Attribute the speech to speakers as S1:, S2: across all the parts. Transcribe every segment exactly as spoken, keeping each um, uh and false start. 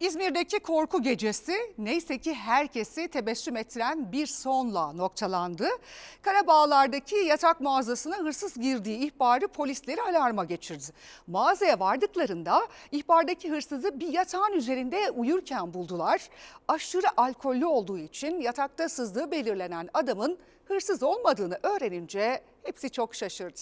S1: İzmir'deki korku gecesi neyse ki herkesi tebessüm ettiren bir sonla noktalandı. Karabağlar'daki yatak mağazasına hırsız girdiği ihbarı polisleri alarma geçirdi. Mağazaya vardıklarında ihbardaki hırsızı bir yatağın üzerinde uyurken buldular. Aşırı alkollü olduğu için yatakta sızdığı belirlenen adamın hırsız olmadığını öğrenince hepsi çok şaşırdı.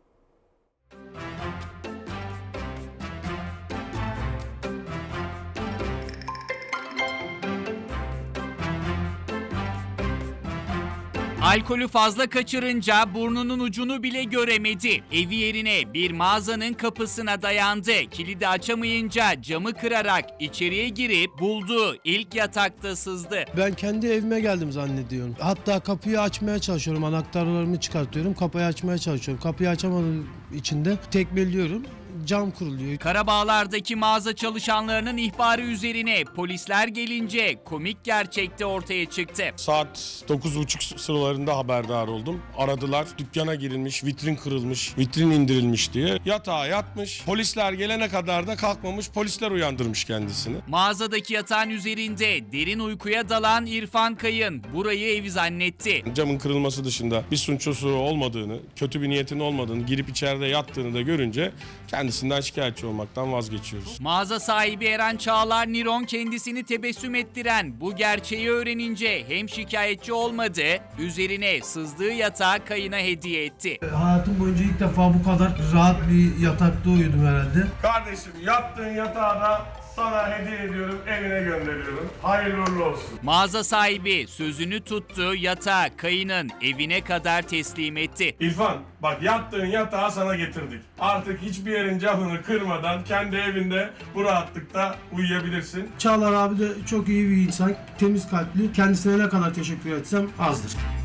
S2: Alkolü fazla kaçırınca burnunun ucunu bile göremedi. Evi yerine bir mağazanın kapısına dayandı. Kilidi açamayınca camı kırarak içeriye girip bulduğu ilk yatakta sızdı.
S3: Ben kendi evime geldim zannediyorum. Hatta kapıyı açmaya çalışıyorum. Anahtarlarımı çıkartıyorum. Kapıyı açmaya çalışıyorum. Kapıyı açamadığım için de tekmeliyorum. Cam kuruluyor.
S2: Karabağlar'daki mağaza çalışanlarının ihbarı üzerine polisler gelince komik gerçekte ortaya çıktı.
S4: Saat dokuz buçuk sıralarında haberdar oldum. Aradılar. Dükkana girilmiş, vitrin kırılmış, vitrin indirilmiş diye. Yatağa yatmış. Polisler gelene kadar da kalkmamış. Polisler uyandırmış kendisini.
S2: Mağazadaki yatağın üzerinde derin uykuya dalan İrfan Kayın burayı evi zannetti.
S4: Camın kırılması dışında bir suçlusu olmadığını, kötü bir niyetin olmadığını, girip içeride yattığını da görünce kendisinden şikayetçi olmaktan vazgeçiyoruz.
S2: Mağaza sahibi Eren Çağlar Niron kendisini tebessüm ettiren bu gerçeği öğrenince hem şikayetçi olmadı, üzerine sızdığı yatağı Kayın'a hediye etti.
S3: Hayatım boyunca ilk defa bu kadar rahat bir yatakta uyudum herhalde.
S4: Kardeşim yattığın yatağı da sana hediye ediyorum, evine gönderiyorum. Hayırlı uğurlu olsun.
S2: Mağaza sahibi sözünü tuttu, yatağı Kayın'ın evine kadar teslim etti.
S4: İrfan, bak yattığın yatağı sana getirdik. Artık hiçbir yerin camını kırmadan kendi evinde bu rahatlıkta uyuyabilirsin.
S3: Çağlar abi de çok iyi bir insan, temiz kalpli. Kendisine ne kadar teşekkür etsem azdır.